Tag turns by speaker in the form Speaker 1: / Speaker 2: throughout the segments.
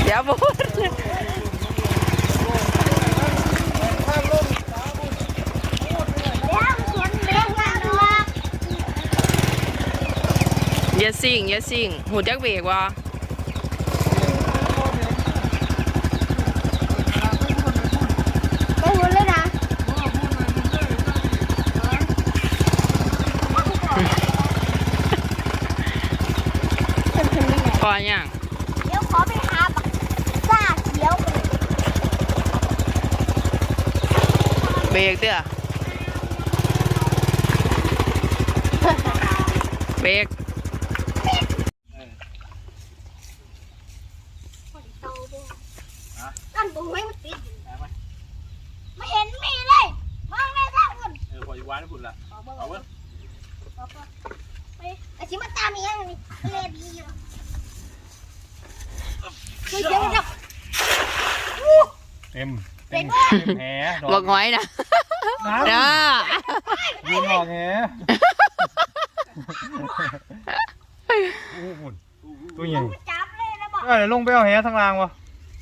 Speaker 1: อย่าพูดอย่าสิ่งหูจักเบรกวะ
Speaker 2: ไปหุ่นเลยนะ
Speaker 1: ก่อนยัง
Speaker 2: เดี๋ยวขอไปหาบักซ่าเขียว
Speaker 1: เบรกเด้อเบรก
Speaker 2: กันบุ้งไว้มันติดไม่เห็นมีเลยมองไม่ได้หุ่น
Speaker 3: พออยู่วานหุ่นละเอาเว้ย
Speaker 2: ไปไอ้ชิมาตามอีกอย่างนี้เลบีอยู่เดี๋ยว
Speaker 3: เต็มแห
Speaker 1: บอกง้อยนะนะ
Speaker 3: ยืนหอกแหหุ่นตัวใหญ่
Speaker 2: จับเลยนะบอก
Speaker 3: เดี๋ยวลงไปเอาแหทางล่างวะ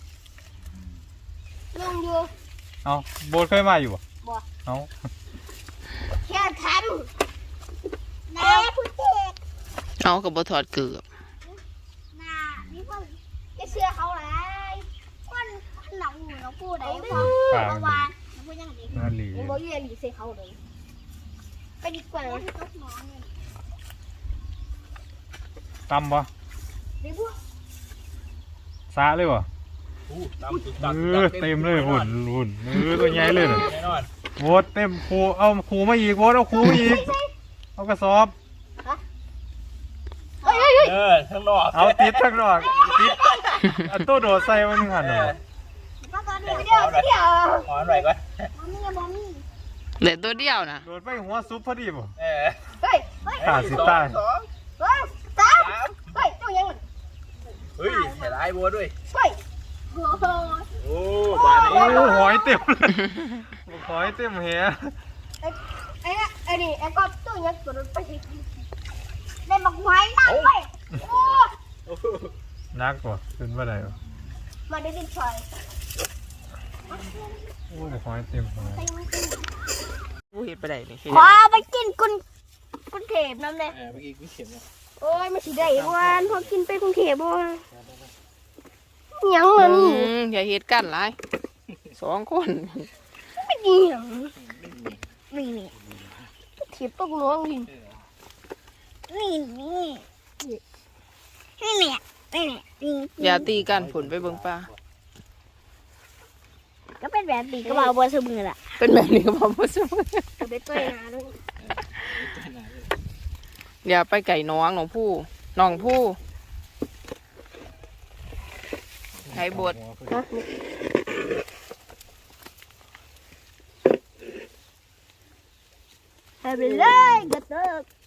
Speaker 2: ลงอยู่
Speaker 3: เอาโบสเคยมาอยู่ป่ะเอา
Speaker 2: แค่ทันนาพุทธเอก
Speaker 1: เอากับบถอดเกือบ
Speaker 2: นานี่เพิ่งจะเชื่อเขาเลยคนหนังหนูพูดได้พอเมื่อวานพูดยังไงยังบอกยังหลีเสียเขาเลยไปดีกว่า
Speaker 3: ตำป่ะซาเลยวะเต็มเลยหุ่นตัวใหญ่เลยโวดเต็มครูเอาครูมาอีกโวดเอาครูมาอีกเอากระสอบทั้งนอกเอาติดทั้งนอกติดอันตู้โดดใส่มันหันเหรอ
Speaker 2: เดี๋ยว
Speaker 3: หอนไหวก่อน
Speaker 1: เหลือตัวเดียวนะ
Speaker 3: โดดไปหัวซุปพอดีป่ะ
Speaker 2: ขา
Speaker 3: ดสิตาย
Speaker 2: สามเฮ้ยตัวยัง
Speaker 3: เฮ้ยเห็นไอ้บัวด้วย
Speaker 2: เฮ้ย
Speaker 3: โอ้บ้านนี้หอยเต็มเลยหอยเต็มเหี้ย
Speaker 2: ไอ้นี่ไอ้ก็ตัวยังตัวนั้นไปได้บักไม้นั่งไป
Speaker 3: นักกว่าขึ้นมาได้ป่ะ
Speaker 2: มาได้ดิชอย
Speaker 3: โอ้หอยเต็มเลย
Speaker 1: กูเห็นไปไหนนี่
Speaker 2: ขอไปกินกุนเทพน้ำเลย
Speaker 3: เมื่อกี้กูเข็มนะ
Speaker 2: โอ้ยไม่ใช่ได้วันพอกินไปกรุงเทพบ่ยังเลยนี่
Speaker 1: อย่าเหตุกันไร2 คน
Speaker 2: ไม่ดีหรอนี่เทียบตกน้องนี่
Speaker 1: อย่าตีกันผลไปเบิ่งป้า
Speaker 2: ก็เป็นแบบนี้ก็บอกว่าสมือละ
Speaker 1: เป็นแบบนี้ก็บอกว่าสมือ
Speaker 2: ไปตัวนาด้วย
Speaker 1: อย่าไปไก่น้องผู้ใช้บท
Speaker 2: ไปเลยกระเตก